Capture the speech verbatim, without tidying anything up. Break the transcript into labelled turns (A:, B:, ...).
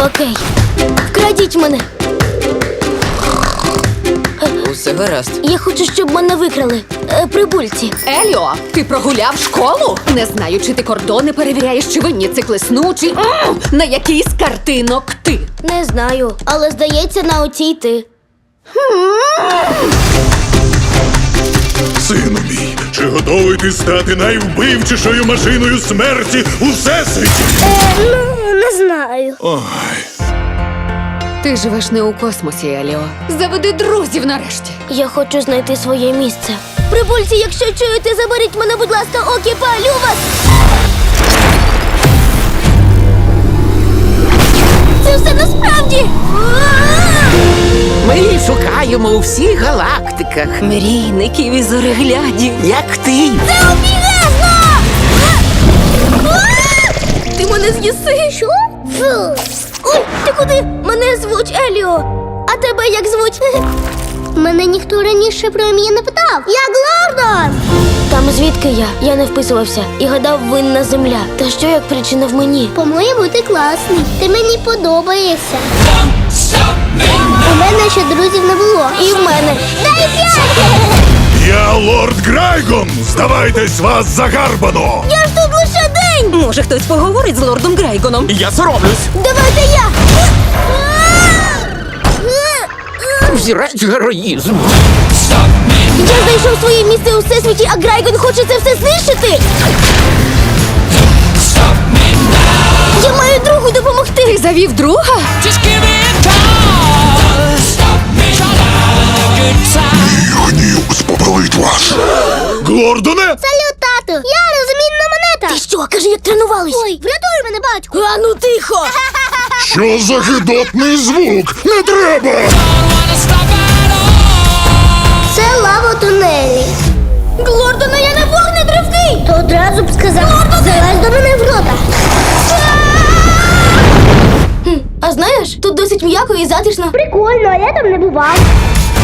A: Окей. Вкрадіть мене.
B: Усе гаразд.
A: Я хочу, щоб мене викрали. Е, прибульці.
C: Еліо, ти прогуляв школу? Не знаю, чи ти кордони перевіряєш, чи винні циклесну, чи М! на який з картинок ти.
A: Не знаю, але здається, на оцій ти.
D: Сину мій, чи готовий ти стати найвбивчішою машиною смерті у всесвіті?
A: Е, ну, не знаю.
D: Ой,
C: Ти живеш не у космосі, Еліо. Заведи друзів нарешті.
A: Я хочу знайти своє місце. Прибульці, якщо чуєте, заберіть мене, будь ласка, окі, палю вас! Це все насправді!
E: Ми її шукаємо у всіх галактиках.
B: Мрійників і зореглядів.
E: Як ти?
A: Це обігезно! Ти мене з'їси? Що? Фу. Ой, ти куди? Мене звуть Еліо. А тебе як звуть? Мене ніхто раніше про ім'я не питав. Я Глордон! Там звідки я? Я не вписувався і гадав, винна земля. Та що як причина в мені?
F: По-моєму, ти класний. Ти мені подобаєшся. У мене ще друзів не було.
A: І в мене.
F: Дай п'ять!
D: я лорд Грайгон! Здавайтесь, вас загарбано!
A: Я ж тут лише день!
B: Може, хтось поговорить з лордом Грайгоном?
E: Я соромлюсь.
A: Давайте я!
E: Взірець героїзму.
A: Я знайшов своє місце у всесвіті, а Грайгон хоче це все знищити! Я маю другу допомогти!
C: Ти завів друга?
D: Мій гнів спопелить вас! Глордоне!
F: Салют, тату! Я розмінна монета!
A: Ти що, кажи, як тренувались?
F: Ой, врятуй мене, батьку!
A: А ну тихо!
D: Що за гидотний звук? Не треба!
F: Це лава у тунелі.
A: Глордона, я не вогнетривкий!
F: То одразу б сказав, залазь до мене в рота.
A: А знаєш, тут досить м'яко і затишно.
F: Прикольно, а я там не бував.